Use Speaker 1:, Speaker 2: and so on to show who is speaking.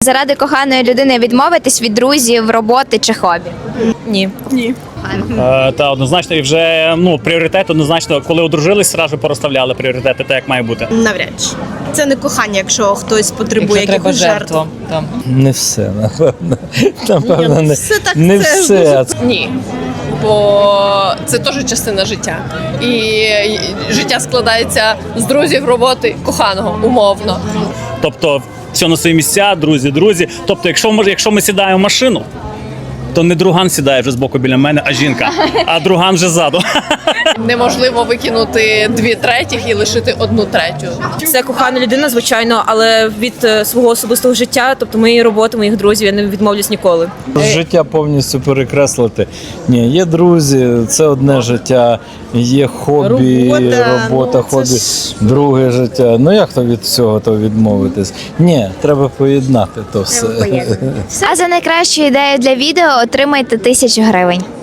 Speaker 1: заради коханої людини відмовитись від друзів, роботи чи хобі?
Speaker 2: Ні.
Speaker 3: Ні.
Speaker 4: Та однозначно, і вже пріоритет однозначно, коли одружились, одразу порозставляли пріоритети, так як має бути.
Speaker 3: Навряд чи. Це не кохання, якщо хтось потребує
Speaker 2: Якщо треба
Speaker 3: якихось жертв.
Speaker 2: жертва. Там.
Speaker 5: Не все, напевно. Напевно, не
Speaker 3: все так,
Speaker 5: не
Speaker 3: це
Speaker 5: все.
Speaker 6: Ні, бо це теж частина життя. І життя складається з друзів, роботи, коханого, умовно.
Speaker 4: Тобто, все на свої місця, друзі. Тобто, якщо ми сідаємо в машину, то не друган сідає вже збоку біля мене, а жінка, а друган вже ззаду.
Speaker 6: Неможливо викинути 2/3 і лишити 1/3.
Speaker 2: Це кохана людина, звичайно, але від свого особистого життя, тобто моєї роботи, моїх друзів, я не відмовлюсь ніколи.
Speaker 5: Життя повністю перекреслити. Ні, є друзі, це одне життя, є хобі, робота,
Speaker 3: це
Speaker 5: хобі,
Speaker 3: ж-
Speaker 5: друге життя. Ну як то від всього то відмовитись? Ні, треба поєднати то все.
Speaker 1: А за найкращу ідею для відео отримайте 1000 гривень.